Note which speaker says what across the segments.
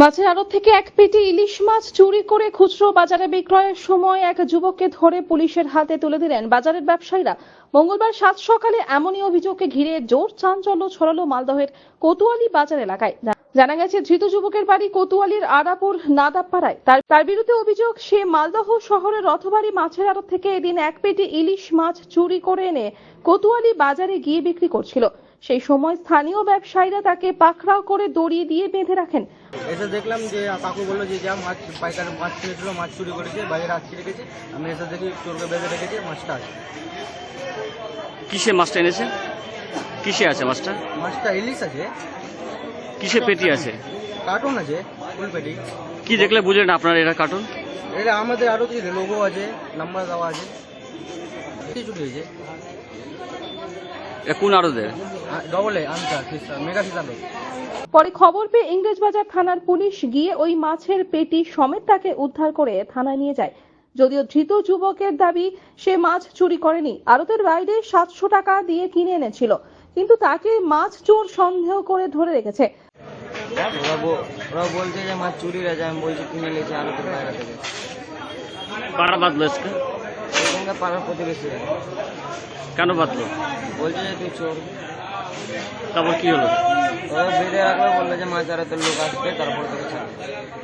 Speaker 1: মাছের আড়ত থেকে এক পেটি ইলিশ মাছ চুরি করে খুচরো বাজারে বিক্রয়ের সময় এক যুবককে ধরে পুলিশের হাতে তুলে দিলেন বাজারের ব্যবসায়ীরা। মঙ্গলবার সাত সকালে এমনই অভিযোগকে ঘিরে জোর চাঞ্চল্য ছড়ালো মালদহের কোতোয়ালি বাজার এলাকায়। জানা গেছে, ধৃত যুবকের বাড়ি কোতোয়ালির আরাপুর নাদাবপাড়ায়। তার বিরুদ্ধে অভিযোগ, সে মালদহ শহরের রথবাড়ি মাছের আড়ত থেকে এদিন এক পেটি ইলিশ মাছ চুরি করে এনে কোতোয়ালি বাজারে গিয়ে বিক্রি করছিল। সেই সময় স্থানীয় ব্যবসায়ীরা তাকে পাকড়াও করে দড়ি দিয়ে বেঁধে রাখেন।
Speaker 2: এসে দেখলাম যে কাকু বললো যে যা মাছ পাইকার মাছ ছেড়েছিল, মাছ চুরি করেছে, বাজারে আটকে রেখেছে। আমি এসে দেখি চোরকে বেঁধে রেখেছে, মাছটা আছে।
Speaker 3: কিসে মাছটা এনেছে? কিসে আছে মাছটা?
Speaker 2: মাছটা ইলিশ আছে।
Speaker 3: কিসে পেটি আছে?
Speaker 2: কার্টুন আছে, ফুল পেটি।
Speaker 3: কি দেখলে বুঝলেন আপনার এটা কার্টুন?
Speaker 2: এটা আমাদের আরও কিছু লোগো আছে, নাম্বার দেওয়া আছে। চুরি হয়েছে।
Speaker 3: কোন আড়তে?
Speaker 2: ডবল এ আনসার মেগা সিদ্ধান্ত।
Speaker 1: পরে খবর পেয়ে ইংরেজবাজার থানার পুলিশ গিয়ে ওই মাছের পেটি সমেত তাকে উদ্ধার করে থানায় নিয়ে যায়। যদিও ধৃত যুবকের দাবি সে মাছ চুরি করেনি, আড়তের বাইরে 700 টাকা দিয়ে কিনে এনেছিল, কিন্তু তাকে মাছ চোর সন্দেহ করে ধরে রেখেছে।
Speaker 2: ওরা বলছে যে মাছ চুরির আছে, আমি বলছি কিনে নিয়েছে আড়তের বাইরে থেকে।
Speaker 3: কারা বাঁধলো?
Speaker 2: এখানকার পাড়ার প্রতিবেশী।
Speaker 3: কেন বাঁধলো? বলছে
Speaker 2: যে তুই চোর।
Speaker 3: তারপর কি হলো?
Speaker 2: ওরা বেঁধে রাখলো, বললো যে মাছ আড়তের লোক আসবে, তারপর থেকে ছাড়বে।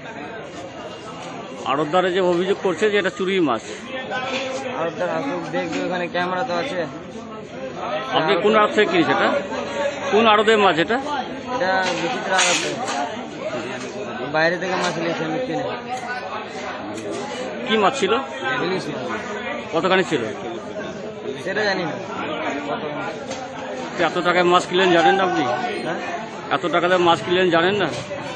Speaker 3: আড়তদারে যে অভিযোগ করছে যে এটা চুরি মাছ।
Speaker 2: আড়তদার আসুক, দেখবে, ওখানে ক্যামেরা তো আছে।
Speaker 3: আপনি কোন আড়ত থেকে কিনেছে এটা? কোন আড়তের মাছ এটা?
Speaker 2: এটা বিচিত্র আড়তে, বাইরে থেকে মাছ নিয়েছে, আমি কিনে।
Speaker 3: কি মাছ ছিল?
Speaker 2: ইলিশ মাছ।
Speaker 3: কতখানি ছিল
Speaker 2: সেটা জানি না।
Speaker 3: এত টাকায় মাছ কিনলেন জানেন না আপনি?
Speaker 2: হ্যাঁ,
Speaker 3: এত টাকা দিয়ে মাছ কিনলেন জানেন না?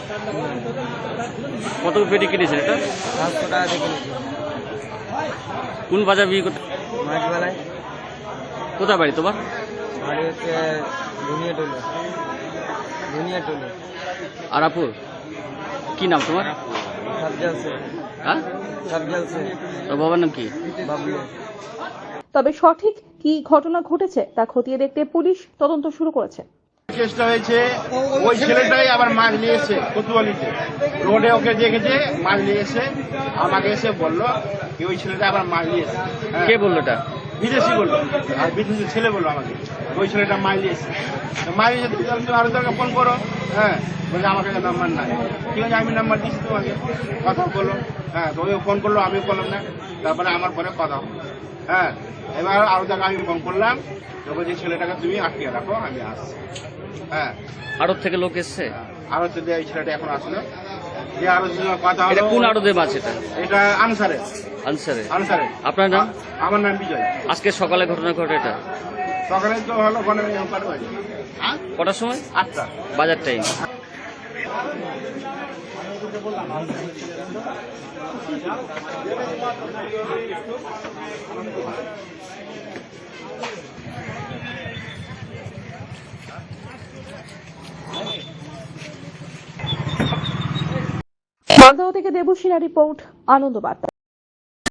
Speaker 3: কত পেটি কিনেছেন এটা?
Speaker 2: 700 টাকা দিয়ে কিনেছি।
Speaker 3: কোন বাজার বিক্রি করতে?
Speaker 2: মাছবেলায়।
Speaker 3: কোথায় বাড়ি তোমার?
Speaker 2: বাড়ি হচ্ছে ধুনিয়াটুলি।
Speaker 3: আরাপুর। কি নাম তোমার?
Speaker 2: সাবজাল সে।
Speaker 3: হ্যাঁ,
Speaker 2: সাবজাল সে।
Speaker 3: তোর বাবার নাম কি?
Speaker 2: বাবলু।
Speaker 1: তবে সঠিক কি ঘটনা ঘটেছে তা খতিয়ে দেখতে পুলিশ তদন্ত শুরু করেছে।
Speaker 4: চেষ্টা হয়েছে, ওই ছেলেটাই আবার মাছ নিয়ে এসে কোতোয়ালিতে রোডে ওকে দেখেছে, মাছ নিয়ে এসে আমাকে এসে বললো কি ওই ছেলেটা আবার মাছ নিয়ে এসে।
Speaker 3: কে বললো এটা?
Speaker 4: বিদেশি বললো, আর বিদেশি ছেলে বললো আমাকে ওই ছেলেটা মাছ নিয়ে এসে। মাছ নিয়ে এসে আরো তোকে ফোন করো। হ্যাঁ, বলছে আমার কাছে নাম্বার নাই। ঠিক আছে, আমি নাম্বার দিচ্ছি তোমাকে, কথা বলো। হ্যাঁ, তো ওই ফোন করলো, আমিও করলাম না। তারপরে আমার পরে কথা হলো। হ্যাঁ, এবার আরো জায়গায় আমি ফোন করলাম, তো বলছি ছেলেটাকে তুমি আটকে রাখো, আমি আসছি। হ্যাঁ,
Speaker 3: আড়ত থেকে লোক এসছে?
Speaker 4: আরো যদি এই ছেলেটা এখন আসলো, যে আরো কথা
Speaker 3: এটা
Speaker 4: হলো।
Speaker 3: কোন আড়তের মাছ এটা?
Speaker 4: এটা আনসারে।
Speaker 3: আনসারে। আপনার নাম?
Speaker 4: আমার নাম বিজয়।
Speaker 3: আজকে সকালে ঘটনা ঘটে এটা?
Speaker 4: সকালে তো হলো ওখানে বাড়ি।
Speaker 3: কটার সময়?
Speaker 4: 8টা
Speaker 3: বাজার টাইম।
Speaker 1: মালদহ থেকে দেবুসিনা রিপোর্ট, আনন্দ বার্তা।